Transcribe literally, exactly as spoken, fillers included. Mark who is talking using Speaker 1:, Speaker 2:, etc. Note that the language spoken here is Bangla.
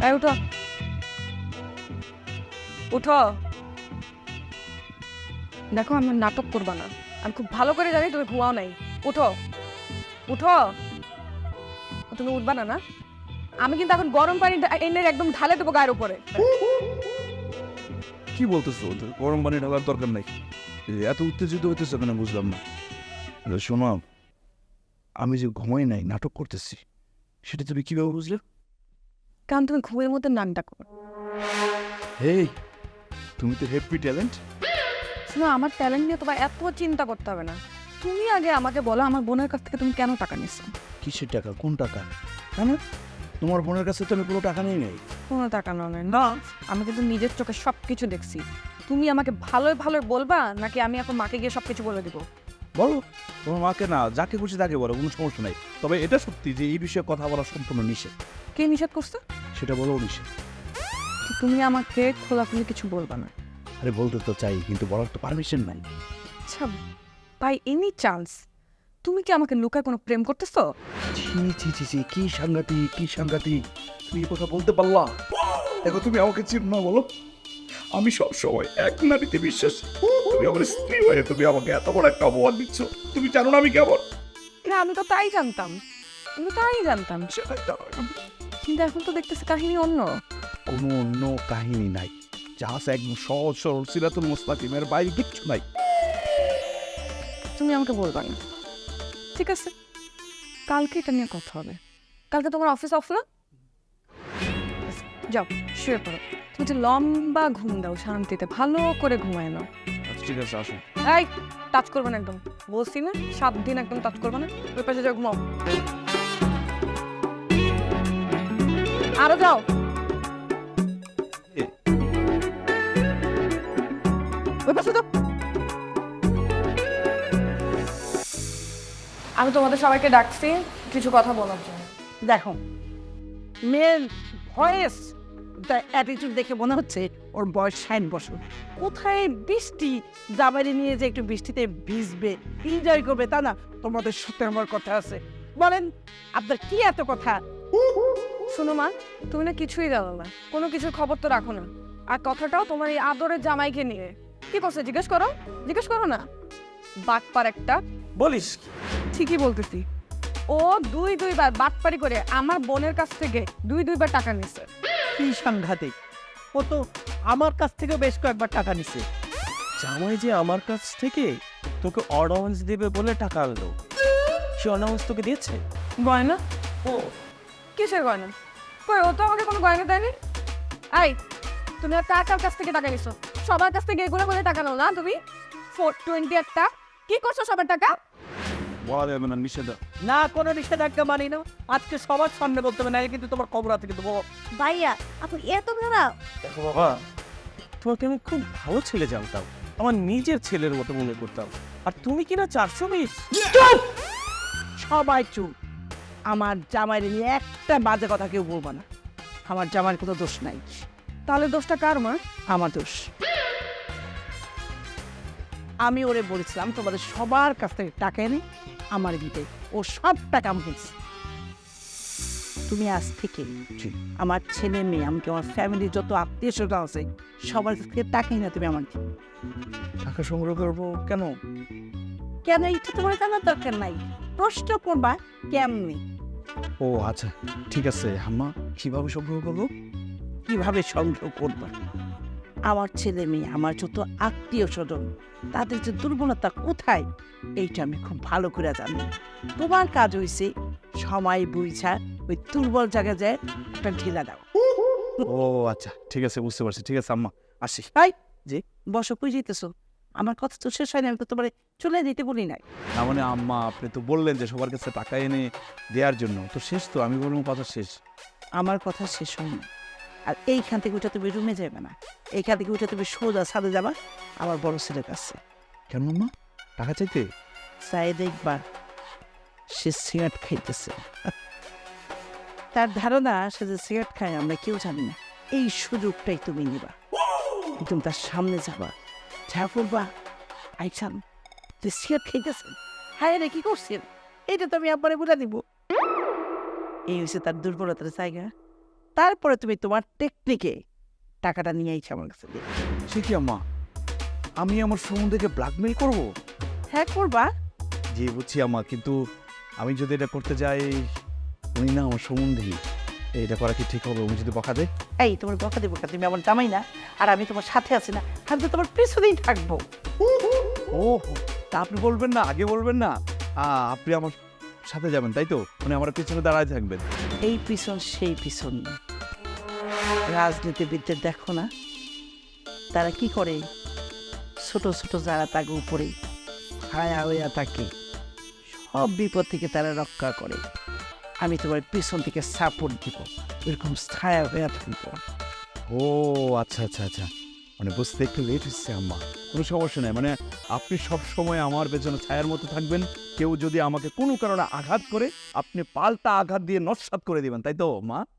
Speaker 1: এই উঠো উঠো দেখো আমার নাটক করবা না, আমি খুব ভালো করে জানি তুমি ঘুমাও নাই। উঠো উঠো, তুমি উঠবা না না? আমি কিন্তু এখন গরম পানি ঢা- এনে একদম ঢালে দেবো গায়ের উপরে।
Speaker 2: কি বলতেছো? গরম পানি ঢালার দরকার নাই। এত উত্তেজিত হইতেছে কেন বুঝলাম না। শোনো, আমি যে ঘুমাই নাই, নাটক করতেছি, সেটা তুমি কিভাবে বুঝলে?
Speaker 1: কারণ তুমি ঘুমের মধ্যে নাক ডাকো।
Speaker 2: হেই, তুমি তো হ্যাপি ট্যালেন্ট।
Speaker 1: শোনো, আমার ট্যালেন্ট নিয়ে তোমার এত চিন্তা করতে হবে না। তুমি আগে আমাকে বলো, আমার বোনের কাছ থেকে তুমি কেন টাকা নিচ্ছ?
Speaker 2: কিসের টাকা? কোন টাকা? কেন? তোমার বোনের কাছে তো আমি কোনো টাকা নেই নাই।
Speaker 1: কোনো টাকা নয় না, আমি কিন্তু নিজের চোখে সব কিছু দেখছি। তুমি আমাকে ভালোই ভালোই বলবা নাকি আমি এখন মাকে গিয়ে সব কিছু বলে দিব?
Speaker 2: বলো, তোমার মাকে না, যাকে খুশি তাকে বলো, কোনো সমস্যা নাই। তবে এটা সত্যি যে এই বিষয়ে কথা বলা সম্পূর্ণ নিষেধ।
Speaker 1: কে নিষেধ করছে?
Speaker 2: সেটা বলো নিষেধ।
Speaker 1: তো তুমি আমাকে খোলাখুলি কিছু বলবা না।
Speaker 2: আরে বলতে তো চাই, কিন্তু বলার তো পারমিশন নাই।
Speaker 1: আচ্ছা, বাই এনি চান্স তুমি কি আমাকে লুকায় কোনো প্রেম করতেছো?
Speaker 2: ছি ছি ছি ছি, কি সাংঘাতিক, কি সাংঘাতিক! তুমি এই কথা বলতে পারলা? দেখো, তুমি আমাকে চিনো না বলো? আমি সব সময় এক নারীতে বিশ্বাসী। তুমি আমার স্ত্রী হয়ে তুমি আমাকে এত বড় একটা অপমান দিচ্ছ। তুমি জানো না আমি কেমন?
Speaker 1: না, আমি তো তাই জানতাম, আমি তো তাই জানতাম।
Speaker 2: সেটাই জানো না।
Speaker 1: কিন্তু এখন তো দেখতেছি কাহিনী অন্য।
Speaker 2: কোনো অন্য কাহিনী নাই, জাহাজ একদম সহজ সরল সিরাতুল মুস্তাকিমের বাইরে কিচ্ছু নাই।
Speaker 1: তুমি আমাকে বলবা না, ঠিক আছে? কালকে এটা নিয়ে কথা হবে। কালকে তোমার অফিস অফ না? যাও শুয়ে পড়ো। তুমি যে লম্বা ঘুম দাও শান্তিতে, ভালো করে ঘুমায় নাও।
Speaker 2: আচ্ছা ঠিক আছে, আসুন।
Speaker 1: এই, টাচ করবে না একদম, বলছি না সাত দিন একদম টাচ করবে না। ওই পাশে যাও, ঘুমাও। আরো যাও। ওই পাশে যাও। আমি তোমাদের সবাইকে ডাকছি কিছু কথা বলার জন্য।
Speaker 3: দেখো, মেয়ের ভয়েস অ্যাটিটিউড দেখে মনে হচ্ছে ওর বয়স ষাট বছর। কোথায় বৃষ্টি, জামাইরে নিয়ে যে একটু বৃষ্টিতে ভিজবে, এনজয় করবে, তা না? তোমাদের সাথে আমার কথা আছে। বলেন, আপনার কি এত কথা?
Speaker 1: শোনো মা, তুমি না কিছুই জানো না, কোনো কিছুর খবর তো রাখো না। আর কথাটাও তোমার এই আদরের জামাইকে নিয়ে। কি করছে জিজ্ঞেস করো, জিজ্ঞেস করো না। বাটপার একটা।
Speaker 4: বলিস কি?
Speaker 1: ঠিকই বলতেছি। ও দুই দুইবার বাটপারি করে আমার বোনের কাছ থেকে দুই দুইবার টাকা নিছে।
Speaker 3: কি সাংঘাতিক! ও তো আমার কাছ থেকেও বেশ কয়েকবার টাকা নিছে।
Speaker 4: জামাই যে আমার কাছ থেকে তোকে অর্ডান্স দেবে বলে টাকা আনলো, সে অর্ডান্স তোকে দিয়েছে?
Speaker 1: গয়না?
Speaker 4: ও
Speaker 1: কিসের গয়না? কই, ও তো আমাকে কোনো গয়না দেয়নি। আই, তুমি আর কার কার কাছ থেকে টাকা নিছো? সবার কাছ থেকে এগুলো করে টাকা নাও না তুমি? ফোর টোয়েন্টি একটা কি করছো সবার টাকা?
Speaker 2: বলা যাবে না, নিষেধ।
Speaker 3: না, কোনো নিষেধাজ্ঞা মানি না। আজকে সবার সামনে বলতে হবে না, কিন্তু তোমার খবর আছে কিন্তু।
Speaker 5: ভাইয়া আপনি এত খারাপ?
Speaker 4: দেখো বাবা, তোমাকে আমি খুব ভালো ছেলে জানতাম, আমার নিজের ছেলের মতো মনে করতাম, আর তুমি কিনা চারশো বিশ।
Speaker 3: সবাই চুপ। আমার জামাইরে নিয়ে একটা বাজে কথা কেউ বলবো না। আমার জামাইয়ের কোনো দোষ নাই।
Speaker 1: তাহলে দোষটা কার মা?
Speaker 3: আমার দোষ। আমি ওরে বলেছিলাম তোমাদের সবার কাছ থেকে টাকা এনে আমার দিতে, ও সব টাকা আমাকে দিছে। তুমি আজ থেকে আমার ছেলে মেয়ে, এমনকি আমার ফ্যামিলির যত আত্মীয় স্বজন আছে, সবার কাছ থেকে টাকা এনে তুমি আমার দিবে।
Speaker 2: টাকা সংগ্রহ করবো কেন?
Speaker 3: কেন এটা তোমার জানার দরকার নাই, প্রশ্ন করবা কেমনি।
Speaker 2: ও আচ্ছা ঠিক আছে আম্মা, কিভাবে সংগ্রহ করবো?
Speaker 3: কিভাবে সংগ্রহ করবা? আমার ছেলে মেয়ে, আমার যত আত্মীয় স্বজন, তাদের যে দুর্বলতা কোথায়, এইটা আমি খুব ভালো করে জানি। তোমার কাজ হয়েছে সময় বুঝা ওই দুর্বল জায়গায় যায় একটা ঢিলা দাও।
Speaker 2: ও আচ্ছা ঠিক আছে, বুঝতে পারছি। ঠিক আছে আম্মা, আসি।
Speaker 3: তাই যে বসো, কই যেতেছো? আমার কথা তো শেষ হয়নি, আমি তো তোমার চলে দিতে বলি নাই।
Speaker 2: না মানে আম্মা, আপনি তো বললেন যে সবার কাছে টাকা এনে দেওয়ার জন্য, তো শেষ তো, আমি বললাম কথা শেষ।
Speaker 3: আমার কথা শেষ হয়নি। আর এইখান থেকে উঠে তুমি রুমে যাবে না, এইখান থেকে উঠে তুমি সোজা ছাদে যাবা আমার বড় ছেলের কাছে।
Speaker 2: কেন আম্মা, টাকা চাইতে?
Speaker 3: চাই দেখবা সে সিগারেট খাইতেছে। তার ধারণা সে যে সিগারেট খায় আমরা কেউ জানি না। এই সুযোগটাই তুমি নিবা, তুমি তার সামনে যাবা, যা বলবা, আইসান তুই সিগারেট খাইতেছেন, হ্যাঁ রে কি করছেন, এইটা তো আমি একবারে বলে দিব। এই হচ্ছে তার দুর্বলতার জায়গা। তারপরে তুমি তোমার টেকনিকে টাকাটা নিয়ে আইছো আমার কাছে দিয়ে।
Speaker 2: সে কি আম্মা, আমি আমার সম্বন্ধেকে ব্ল্যাকমেল করব?
Speaker 3: হ্যাঁ করবা।
Speaker 2: জি বুঝছি আম্মা, কিন্তু আমি যদি এটা করতে যাই, উনি না আমার সম্বন্ধী, এটা করা কি ঠিক হবে? উনি যদি বকা দেয়?
Speaker 3: এই তোমার বকা দেবো তুমি আমার জামাই না, আর আমি তোমার সাথে আছি না, আমি তো তোমার পিছনেই থাকবো।
Speaker 2: ও তা আপনি বলবেন না, আগে বলবেন না। আ, আপনি আমার সাথে যাবেন তাই তো? মানে আমার পিছনে দাঁড়ায় থাকবেন।
Speaker 3: এই পিছন সেই পিছন না। রাজনীতিবিদদের দেখো না, তারা কি করে, ছোট ছোট যারা তাকে উপরে ছায়া হইয়া থাকে, সব বিপদ থেকে তারা রক্ষা করে। আমি তোমার পিছন থেকে সাপোর্ট দিব, এরকম ছায়া হইয়া থাকবো।
Speaker 2: ও আচ্ছা আচ্ছা আচ্ছা, মানে বুঝতে একটু লেট হচ্ছে আম্মা। কোনো সমস্যা নেই, মানে আপনি সব সময় আমার পেছনে ছায়ার মতো থাকবেন। কেউ যদি আমাকে কোনো কারণে আঘাত করে, আপনি পাল্টা আঘাত দিয়ে নস্যাৎ করে দিবেন, তাই তো মা?